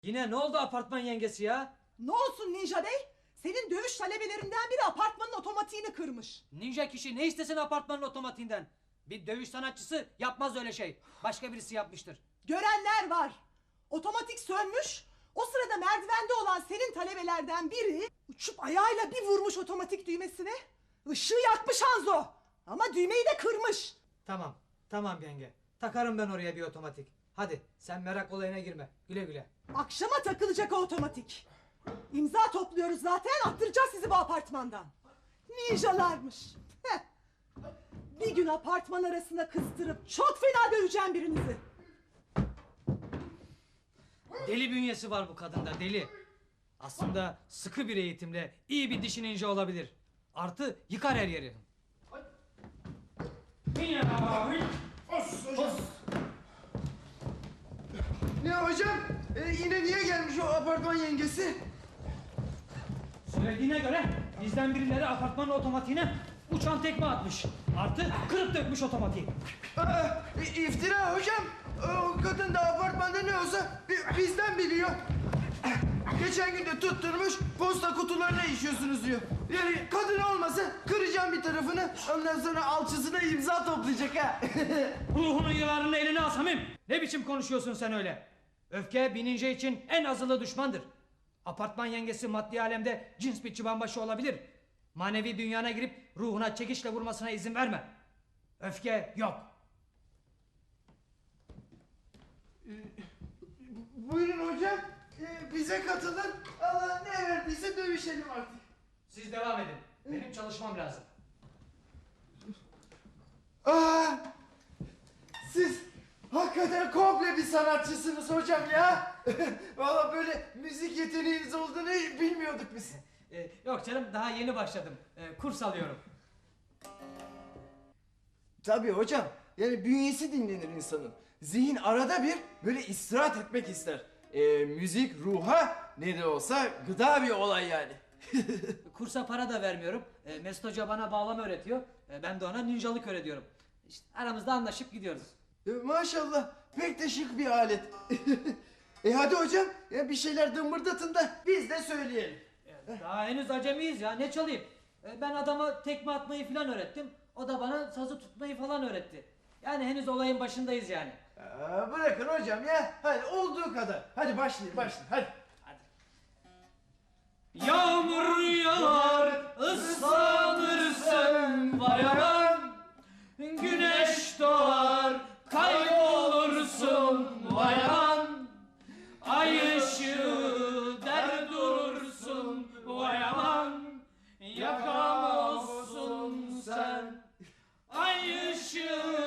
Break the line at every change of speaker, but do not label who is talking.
Yine ne oldu apartman yengesi ya?
Ne olsun Ninja Bey? Senin dövüş talebelerinden biri apartmanın otomatiğini kırmış.
Ninja kişi ne istesin apartmanın otomatiğinden? Bir dövüş sanatçısı yapmaz öyle şey. Başka birisi yapmıştır.
Görenler var. Otomatik sönmüş. O sırada merdivende olan senin talebelerden biri uçup ayağıyla bir vurmuş otomatik düğmesine. Işığı yakmış Hanzo. Ama düğmeyi de kırmış.
Tamam yenge. Takarım ben oraya bir otomatik. Hadi sen merak olayına girme. Güle güle.
Akşama takılacak o otomatik. İmza topluyoruz zaten, attıracağız sizi bu apartmandan. Ninjalarmış. Heh. Bir gün apartman arasına kıstırıp çok fena döveceğim birinizi.
Deli bünyesi var bu kadında, deli. Aslında sıkı bir eğitimle iyi bir dişi ninja olabilir. Artı yıkar her yeri.
Ne hocam? Yine niye gelmiş o apartman yengesi?
Söylediğine göre bizden birileri apartmanın otomatiğine uçan tekme atmış. Artı kırıp dökmüş otomatiği.
İftira hocam. O kadın da apartmanda ne olsa bizden biliyor. Geçen gün de tutturmuş posta kutularına işiyorsunuz diyor. Yani kadın olmasa kıracağım bir tarafını, ondan sonra alçısına imza toplayacak ha.
Ruhunun yılanını eline al Samim. Ne biçim konuşuyorsun sen öyle? Öfke bir ninja için en azılı düşmandır. Apartman yengesi maddi alemde cins bir çıbanbaşı olabilir. Manevi dünyana girip ruhuna çekişle vurmasına izin verme. Öfke yok.
Buyurun hocam. Bize katılın. Allah ne verdiyse dövüşelim artık.
Siz devam edin. Benim çalışmam lazım.
Aa, siz hakikaten komple bir sanatçısınız hocam ya. Vallahi böyle müzik yeteneğiniz olduğunu bilmiyorduk biz.
Yok canım, daha yeni başladım. Kurs alıyorum.
Tabii hocam. Yani bünyesi dinlenir insanın. Zihin arada bir böyle istirahat etmek ister. Müzik ruha ne de olsa gıda bir olay yani.
Kursa para da vermiyorum. Mesut Hoca bana bağlama öğretiyor. Ben de ona ninjalık öğretiyorum. İşte aramızda anlaşıp gidiyoruz.
Maşallah pek de şık bir alet. Hadi hocam bir şeyler dımbırdatın da biz de söyleyelim.
Daha henüz acemiyiz ya, ne çalayım? Ben adama tekme atmayı falan öğrettim. O da bana sazı tutmayı falan öğretti. Yani henüz olayın başındayız yani.
Bırakın hocam ya. Hadi olduğu kadar. Hadi başlayın hadi.
Yağmur yağar, ıslanırsın vay anam. Güneş doğar, kaybolursun vay anam. Ay ışığı der durursun vay aman. Yakam olsun sen. Ay ışığı